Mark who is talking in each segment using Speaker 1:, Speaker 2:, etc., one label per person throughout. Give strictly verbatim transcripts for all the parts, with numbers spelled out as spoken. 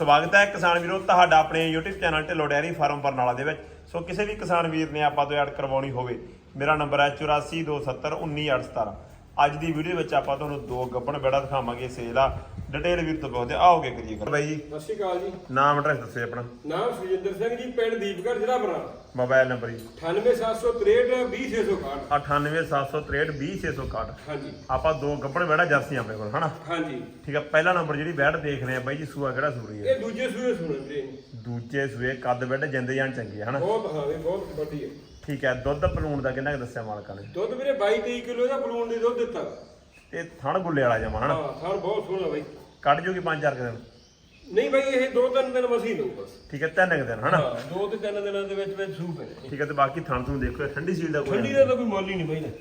Speaker 1: ਸਵਾਗਤ ਹੈ ਕਿਸਾਨ ਵੀਰੋ ਤੁਹਾਡਾ ਆਪਣੇ YouTube channel Dhillon dairy farm Barnala ਦੇ ਵਿੱਚ। ਸੋ ਕਿਸੇ ਵੀ ਕਿਸਾਨ ਵੀਰ ਨੇ ਆਪਾਂ ਤੋਂ ਐਡ ਕਰਵਾਉਣੀ ਹੋਵੇ, ਮੇਰਾ ਨੰਬਰ ਹੈ ਚੁਰਾਸੀ ਦੋ ਸੱਤਰ ਉੱਨੀ ਅੱਠ ਸਤਾਰਾਂ। ਅੱਜ ਦੀ ਵੀਡੀਓ ਵਿੱਚ ਆਪਾਂ ਤੁਹਾਨੂੰ ਦੋ ਗੱਭਣ ਬੈੜਾ ਦਿਖਾਵਾਂਗੇ ਸੇਲ ਆ। ਡਿਟੇਲ ਵੀਰ ਤੋਂ ਬਹੁਤ ਆਓਗੇ ਕਰੀਏ ਕਰ ਬਾਈ ਜੀ।
Speaker 2: ਸਤਿ ਸ਼੍ਰੀ ਅਕਾਲ ਜੀ।
Speaker 1: ਨਾਮ ਐਡਰੈਸ ਦੱਸਿਓ ਆਪਣਾ।
Speaker 2: ਨਾਮ ਸੁਜਿੰਦਰ ਸਿੰਘ ਜੀ, ਪਿੰਡ ਦੀਪਗੜ੍ਹ, ਜ਼ਿਲ੍ਹਾ ਬਰਨਾਲਾ।
Speaker 1: ਮੋਬਾਈਲ ਨੰਬਰ ਜੀ
Speaker 2: ਅਠਾਨਵੇਂ ਸੱਤ ਸੌ ਤਰੇਹਠ ਵੀਹ ਛੇ ਸੌ ਇਕਾਹਠ।
Speaker 1: ਅਠਾਨਵੇਂ ਸੱਤ ਸੌ ਤਰੇਹਠ ਵੀਹ ਛੇ ਸੌ ਇਕਾਹਠ।
Speaker 2: ਹਾਂਜੀ
Speaker 1: ਆਪਾਂ ਦੋ ਗੱਭਣ ਬੈੜਾ ਜਰਸੀਆਂ ਆਪਣੇ ਕੋਲ ਹਨਾ।
Speaker 2: ਹਾਂਜੀ
Speaker 1: ਠੀਕ ਆ। ਪਹਿਲਾ ਨੰਬਰ ਜਿਹੜੀ ਬੈੜ ਦੇਖ ਰਹੇ ਆ ਬਾਈ ਜੀ, ਸੂਆ ਕਿਹੜਾ ਸੂਰੀ ਹੈ?
Speaker 2: ਇਹ ਦੂਜੇ ਸੂਏ ਸੁਣਨ ਵੀਰੇ।
Speaker 1: ਦੂਜੇ ਸੂਏ ਕੱਦ ਬੈੜ ਜਿੰਦੇ ਜਾਨ ਚੰਗੀ ਹੈ ਹਨਾ।
Speaker 2: ਬਹੁਤ ਹਾਂ ਵੀ ਬਹੁਤ ਵੱਡੀ ਹੈ।
Speaker 1: ਠੀਕ ਹੈ। ਦੁੱਧ ਪਲੂਣ ਦਾ ਕਿੰਨਾ ਕੁ ਦੱਸਿਆ ਮਾਲਕਾਂ ਨੇ?
Speaker 2: ਦੁੱਧ ਵੀਰੇ ਬਾਈ ਤੇਈ ਕਿਲੋ ਦਾ ਬਲੂਨ ਦੀ ਦੁੱਧ ਦਿੱਤਾ।
Speaker 1: ਤੇ ਥਣ ਗੁੱਲੇ ਵਾਲਾ ਜਮਾ ਹਨਾ।
Speaker 2: ਹਾਂ ਥਣ ਬਹੁਤ ਸੋਹਣਾ ਬਾਈ।
Speaker 1: ਕੱਢ ਜੂਗੀ ਪੰਜ ਚਾਰ ਕੁ ਦਿਨ?
Speaker 2: ਨਹੀਂ ਬਾਈ ਇਹ ਦੋ ਤਿੰਨ ਦਿਨ ਮਸੀਂ ਲਊ ਬਸ।
Speaker 1: ਠੀਕ ਹੈ। ਤਿੰਨ ਕੁ ਦਿਨ ਹਨਾ।
Speaker 2: ਹਾਂ ਦੋ ਤੇ ਤਿੰਨ ਦਿਨਾਂ ਦੇ ਵਿੱਚ ਵਿੱਚ ਸੂਪ ਹੈ।
Speaker 1: ਠੀਕ ਹੈ। ਤੇ ਬਾਕੀ ਥਣ ਤੁਹਾਨੂੰ ਦੇਖੋ ਠੰਡੀ ਸੀਲ ਦਾ ਕੋਈ
Speaker 2: ਠੰਡੀ ਦਾ ਤਾਂ ਕੋਈ ਮੁੱਲ ਹੀ ਨਹੀਂ ਬਾਈ ਨਾ।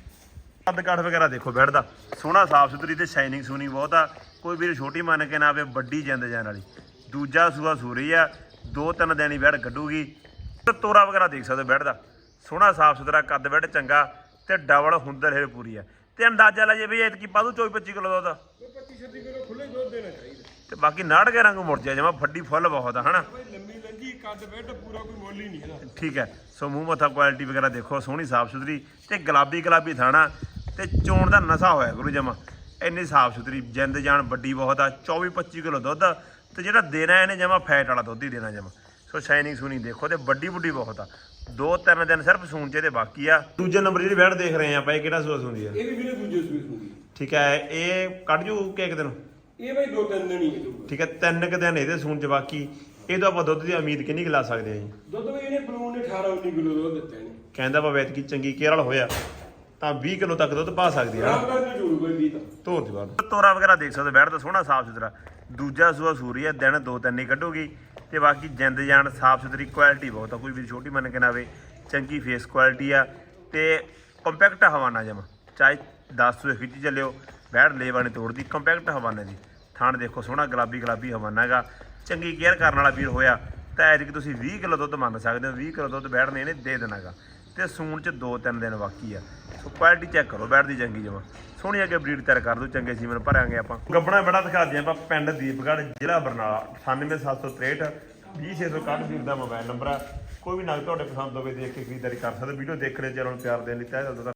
Speaker 1: ਕੱਦ ਕਾਠ ਵਗੈਰਾ ਦੇਖੋ ਬੈੜ ਦਾ ਸੋਹਣਾ ਸਾਫ ਸੁਥਰੀ ਤੇ ਸ਼ਾਈਨਿੰਗ ਸੂਨੀ ਬਹੁਤ ਆ। ਕੋਈ ਵੀਰ ਛੋਟੀ ਮੰਨ ਕੇ ਨਾ ਆਵੇ, ਵੱਡੀ ਜਿੰਦ ਜਾਨ ਵਾਲੀ। ਦੂਜਾ ਸੂਆ ਸੂਰੀ ਆ, ਦੋ ਤਿੰਨ ਦਿਨ ਹੀ ਬੈੜ ਕੱਢੂਗੀ। ਤੇ ਤੋਰਾ ਵਗੈਰਾ ਦੇਖ ਸਕਦੇ ਬੈੜ ਦਾ ਸੋਹਣਾ ਸਾਫ ਸੁਥਰਾ ਕੱਦ ਬੈੜ ਚੰਗਾ ਤੇ ਡਬਲ ਹੁੰਦਰ ਹੈ ਪੂਰੀ ਆ। ਤੇ ਅੰਦਾਜ਼ਾ ਲਾ ਜੇ ਵੀ ਐਤਕੀ ਪਾਦੂ ਚੌਵੀ ਪੱਚੀ ਕਿਲੋ ਦੁੱਧ।
Speaker 2: ਪੱਚੀ ਛੱਤੀ ਕਿਲੋ ਖੁੱਲੇ ਦੁੱਧ ਦੇਣਾ ਚਾਹੀਦਾ।
Speaker 1: ਤੇ ਬਾਕੀ ਨਾੜ ਕੇ ਰੰਗ ਮੁੜ ਜਾ ਜਮਾ ਫੱਡੀ ਫੁੱਲ ਬਹੁਤ ਆ ਹਨਾ।
Speaker 2: ਬਾਈ ਲੰਮੀ ਲੰਜੀ ਕੱਦ ਬੈੱਡ ਪੂਰਾ ਕੋਈ ਮੁੱਲ ਹੀ ਨਹੀਂ ਇਹਦਾ।
Speaker 1: ਠੀਕ ਹੈ। ਸੋ ਮੂੰਹ ਮੱਥਾ ਕੁਆਲਿਟੀ ਵਗੈਰਾ ਦੇਖੋ ਸੋਹਣੀ ਸਾਫ ਸੁਥਰੀ ਤੇ ਗੁਲਾਬੀ ਗੁਲਾਬੀ ਥਾਣਾ ਤੇ ਚੋਣ ਦਾ ਨਸ਼ਾ ਹੋਇਆ ਗੁਰੂ ਜਮਾ। ਇੰਨੀ ਸਾਫ ਸੁਥਰੀ ਜਿੰਦ ਜਾਨ ਵੱਡੀ ਬਹੁਤ ਆ। ਚੌਵੀ ਪੱਚੀ ਕਿਲੋ ਦੁੱਧ ਤੇ ਜਿਹੜਾ ਦੇਣਾ ਇਹਨੇ ਜਮਾ ਫੈਟ ਵਾਲਾ ਦੁੱਧ ਹੀ ਦੇਣਾ ਜਮਾ। ਸੋ ਸ਼ਾਈਨਿੰਗ ਸੂਨੀ ਦੇਖੋ ਤੇ ਵੱਡੀ ਵੱਡੀ ਬਹੁਤ ਆ। ਦੋ ਤਿੰਨ ਦਿਨ ਸਿਰਫ ਸੂਣ ਚ ਤੇ ਬਾਕੀ ਆ। ਦੂਜੇ ਨੰਬਰ ਜਿਹੜੀ ਬੈੜ ਦੇਖ ਰਹੇ ਆ ਆਪਾਂ, ਇਹ ਕਿਹੜਾ ਸੂਆ ਸੂੰਦੀ ਆ?
Speaker 2: ਇਹ ਵੀ ਵੀਰੇ ਦੂਜੇ ਸੂਏ ਸੂਗੀ।
Speaker 1: ਠੀਕ ਹੈ। ਇਹ ਕੱਢ ਜੂ ਕਿ ਇੱਕ ਦਿਨ?
Speaker 2: ਇਹ ਬਾਈ ਦੋ ਤਿੰਨ ਦਿਨ ਹੀ ਹੈ।
Speaker 1: ਠੀਕ ਹੈ। ਤਿੰਨ ਕੁ ਦਿਨ ਇਹਦੇ ਸੂਣ ਚ ਬਾਕੀ। ਇਹ ਤੋਂ ਆਪਾਂ ਦੁੱਧ ਦੀ ਉਮੀਦ ਕਿੰਨੀ ਕੁ ਲਾ ਸਕਦੇ ਆ ਜੀ?
Speaker 2: ਦੁੱਧ ਵੀ ਇਹਨੇ ਬਲੂਨ ਨੇ ਅਠਾਰਾਂ ਉੱਨੀ ਕਿਲੋ ਦੁੱਧ ਦਿੱਤਾ ਇਹਨੇ।
Speaker 1: ਕਹਿੰਦਾ ਵਾ ਐਤਕੀ ਚੰਗੀ ਕੇਅਰ ਵਾਲਾ ਹੋਇਆ ਤਾਂ ਵੀਹ ਕਿਲੋ ਤੱਕ ਦੁੱਧ ਪਾ ਸਕਦੀ ਆ।
Speaker 2: ਆਰਾਮ ਨਾਲ ਨਹੀਂ ਜੋੜੂ ਕੋਈ ਵੀ ਤਾਂ।
Speaker 1: ਧੋਰ ਦੀ ਬਾਤ ਤੋਰਾ ਵਗੈਰਾ ਦੇਖ ਸਕਦੇ ਬੈਠ ਤਾਂ ਸੋਹਣਾ ਸਾਫ ਸੁਥਰਾ। ਦੂਜਾ ਸੂਆ ਸੂਰੀ ਆ, ਦਿਨ ਦੋ ਤਿੰਨ ਹੀ ਕੱਢੂਗੀ। ਤੇ ਬਾਕੀ ਜਿੰਦ ਜਾਨ ਸਾਫ ਸੁਥਰੀ ਕੁਆਲਿਟੀ ਬਹੁਤ ਆ। ਕੋਈ ਵੀ ਛੋਟੀ ਮੰਨ ਕੇ ਨਾ ਆਵੇ, ਚੰਗੀ ਫੇਸ ਕੁਆਲਿਟੀ ਆ ਤੇ ਕੰਪੈਕਟ ਹਵਾਨਾ ਜਮਾ। ਚਾਹੇ ਦਸ ਸੌ ਖਿੱਚੀ ਚੱਲਿਓ, ਬੈਠ ਲੇਵਾ ਨਹੀਂ ਤੋੜਦੀ। ਕੰਪੈਕਟ ਹਵਾਨਾ ਜੀ। ਥਾਣ ਦੇਖੋ ਸੋਹਣਾ ਗੁਲਾਬੀ ਗੁਲਾਬੀ ਹਵਾਨਾ ਹੈਗਾ। ਚੰਗੀ ਕੇਅਰ ਕਰਨ ਵਾਲਾ ਵੀਰ ਹੋਇਆ ਤਾਂ ਐਤਕੀ ਤੁਸੀਂ ਵੀਹ ਕਿਲੋ ਦੁੱਧ ਮੰਨ ਸਕਦੇ ਹੋ। ਵੀਹ ਕਿਲੋ ਦੁੱਧ ਬੈਠ ਨੇ ਇਹਨੇ ਦੇ ਦੇਣਾ ਗਾ। ਤੇ ਸੂਣ ਚ ਦੋ ਤਿੰਨ ਦਿਨ ਬਾਕੀ ਆ। ਸੋ ਕੁਆਲਿਟੀ ਚੈੱਕ ਕਰੋ ਬੈਠ ਦੀ ਚੰਗੀ ਜਮਾ ਸੋਹਣੀ। ਅੱਗੇ ਬਰੀਡ ਤਿਆਰ ਕਰ ਦੋ, ਚੰਗੇ ਸੀਮਨ ਭਰਾਂਗੇ ਆਪਾਂ। ਗੱਬਣਾ ਬੜਾ ਦਿਖਾ ਦਿਆਂ ਆਪਾਂ। ਪਿੰਡ ਦੀਪਗੜ੍ਹ, ਜ਼ਿਲ੍ਹਾ ਬਰਨਾਲਾ। ਅਠਾਨਵੇਂ ਸੱਤ ਸੌ ਤਰੇਹਠ ਵੀਹ ਛੇ ਸੌ ਇਕਾਹਠ ਵੀਰ ਦਾ ਮੋਬਾਈਲ ਨੰਬਰ ਆ। ਕੋਈ ਵੀ ਨਗ ਤੁਹਾਡੇ ਪਸੰਦ ਹੋਵੇ ਦੇਖ ਕੇ ਖਰੀਦਦਾਰੀ ਕਰ ਸਕਦੇ। ਵੀਡੀਓ ਦੇਖਣੇ ਚੈਨਲ ਨੂੰ ਪਿਆਰ ਦੇਣ ਲਈ ਤਹਿ ਦਿਲ ਤੋਂ